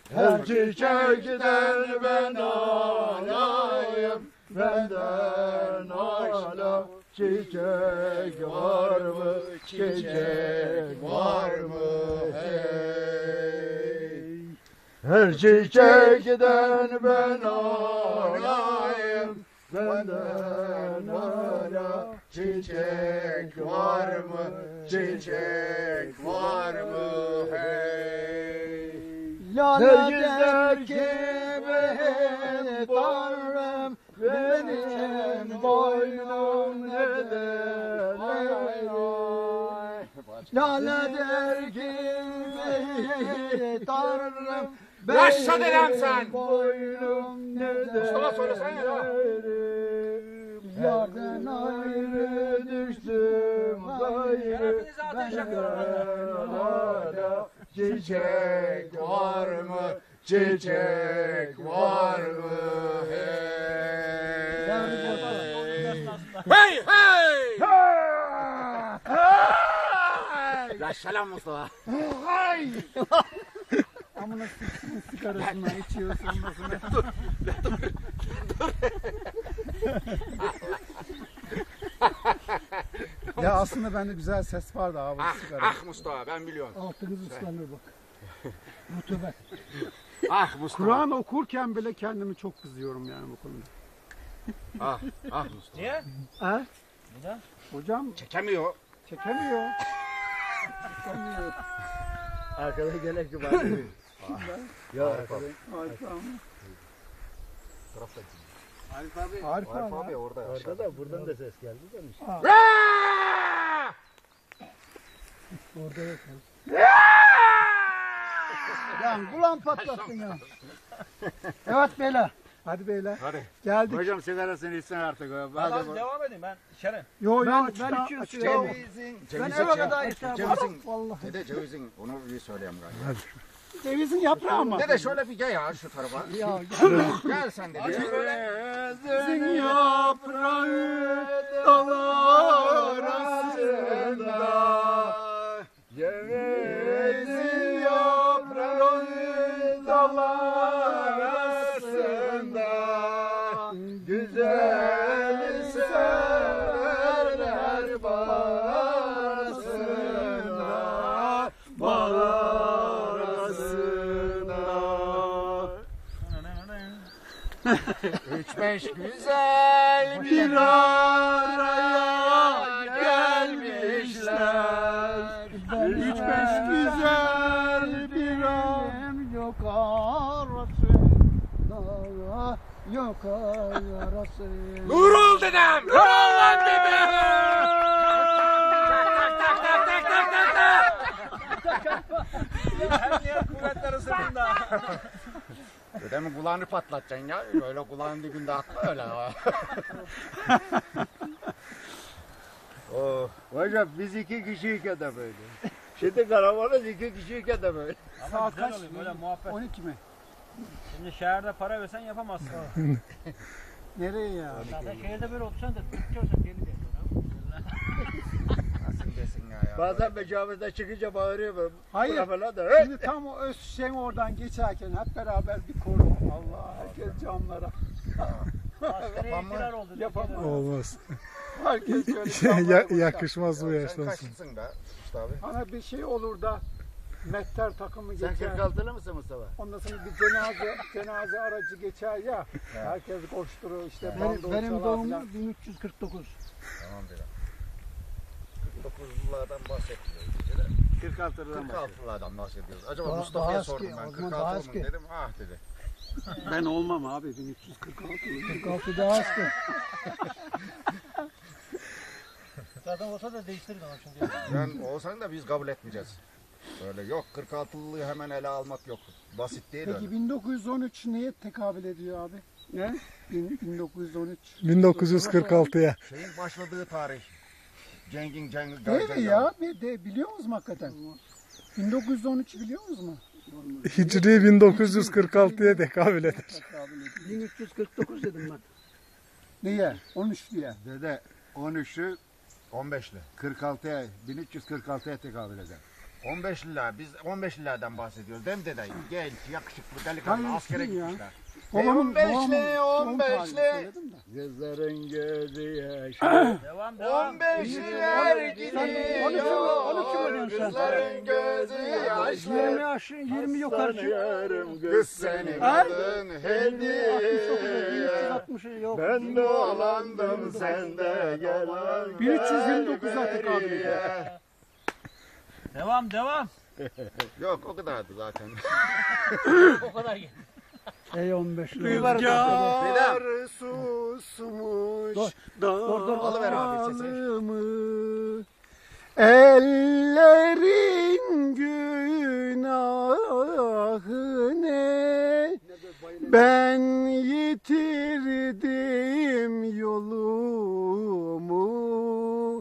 Her çiçekten ben alayım, benden ala. Çiçek var mı, çiçek var mı hey? Her çiçekten ben alayım, benden ala. Çiçek var mı, çiçek var mı hey? Lale der ki benim Tanrım, benim boynum neden eğri? Lale der ki benim Tanrım, Yaşa dedem sen! boynum neden Mustafa söylesene ya. Yardan ayrı düştüm gayrı, Hepiniz Hala çiçek var mı, çiçek var mı hey? Hey hey! Yaşa lan Mustafa. Hay! amına sigarasını içiyorsun ondan Ya aslında bende güzel ses vardı abi sigara. Ah Mustafa ben biliyorum. Altınız ıslanır bak. Rutubet. Ah Mustafa. Kur'an okurken bile kendimi çok kızıyorum yani bu konuda. Ah Mustafa. Niye? Ha? Neden? Hocam Çekemiyor. çekemiyor. Arkada gerek yok. Ya arkada. Arif abi. Arif Arif abi. abi orada. Arkada buradan da ses geldi demiş. Orada yok. Ya kulağım patlattın ya. Evet beyler. Hadi beyler. Hadi. Geldik. Hocam sigarasını içsen artık. Hadi devam edeyim ben içerim. Yo Ben açacağım. Cevizin. Ben eve kadar içeceğim. Cevizin. Vallahi. Dede cevizin. Onu bir söyleyeyim galiba. Cevizin yaprağı mı? Dede şöyle bir gel ya şu tarafa. Ya Gel sen de. Cevizin yaprağı dalar arasında. Cevizin yaprağı dallar arasında. Güzel severler bağrasında. Üç beş güzel bir araya gelmişler. Üç beş güzel bir an yok arasında. Yok arasında. Nurul dedem! Nurul lan dedem! Tak tak tak tak tak tak tak! Her yer kuvvetleri sırtında. Dedemin kulağını patlatacaksın ya. Böyle kulağın dibinde atma öyle. Oh. Hocam biz iki kişiyken de böyle. Şimdi karavanız iki kişiyken de böyle. Ama Saat güzel kaç? oluyor böyle muhabbet. 12 mi? Şimdi şehirde para versen yapamazsın. Nereye ya? Zaten şehirde böyle otursan da tutuyorsan geri de. Nasıl desin ya? Bazen mecavizde çıkınca bağırıyor. Hayır. Falan da. Şimdi tam o Özşen oradan geçerken hep beraber bir koru. Allah herkes camlara. Asgari ihtilal oldu. Yapamam. Olmaz. Herkes şöyle camlara bakar. Yakışmaz bu Sen yaştan sonra. kaçlısın be Mustafa abi? Bana bir şey olur da mehter takımı Sen geçer. 46'lı mısın Mustafa? Ondan sonra bir cenaze aracı geçer ya. Herkes koşturur işte. Benim doğumum 1349. Tamam dedim. 49'lulardan bahsetmiyoruz. 46'dan 46'lardan bahsediyoruz. Acaba Daha Mustafa'ya eski, sordum ben. o zaman 46 daha mı eski. dedim. Ah dedi. Ben olmam abi 1346. 46 daha eski. Zaten olsa da değiştirir ama şimdi. Ben olsan da biz kabul etmeyeceğiz. Böyle yok 46'lıyı hemen ele almak yok. Basit değil öyle. Peki 1913 neye tekabül ediyor abi? Ne? 1913. 1946'ya. Şeyin başladığı tarih. Cengin Değil mi ya? Biliyor musunuz hakikaten? 1913 biliyor musunuz? Hicri 1946'ya tekabül eder. 1349 dedim ben. Niye? 13 diye. Dede 13'lü 15'li. 46'ya 1346'ya tekabül eder. 15 lira. Biz 15 liradan bahsediyoruz. Değil mi dede? Genç, yakışıklı, delikanlı Hayır, askere ya. gitmişler. Babamın 15'li, doğum 15'li. tarihini söyledim de. Kızların gözü yaşı. Devam. 15'liler Sen gidiyor. 13 veriyorsun sen. Kızların gözü 20 yaşlı. yaş, 20 yukarı çık. Kız senin Ha? adın hediye. 360 yok. Ben dolandım sen de gel. 1329 artık abi. Devam. Yok o kadardı zaten. O kadar gel. Ey 15 lira. Rüzgar Dur, dur. Alıver abi sesi. Ellerin günahı ne? Ben yitirdim yolumu.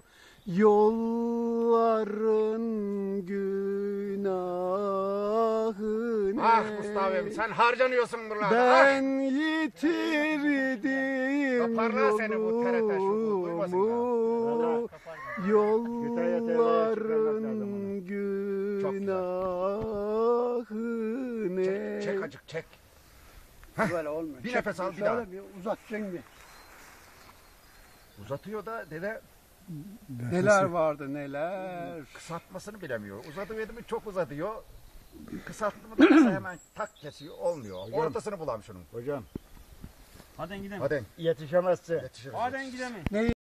Yolların günahı ne? Ah Mustafa'm sen harcanıyorsun buralarda. Ben yitirdim Toparla seni bu TRT şovu, yolumu. Yolların günahı ne? Çek acık çek. Böyle olmuyor. Bir nefes al bir daha. Şöyle bir uzatacaksın bir. Uzatıyor da dede Neler vardı neler. kısaltmasını bilemiyor. Uzatıverdi mi çok uzatıyor. Kısalttı mı da kısa hemen tak kesiyor. Olmuyor. Ortasını bulam şunun. Hocam Hadi gidelim. Hadi yetişemezse yetişiriz. Hadi gidelim.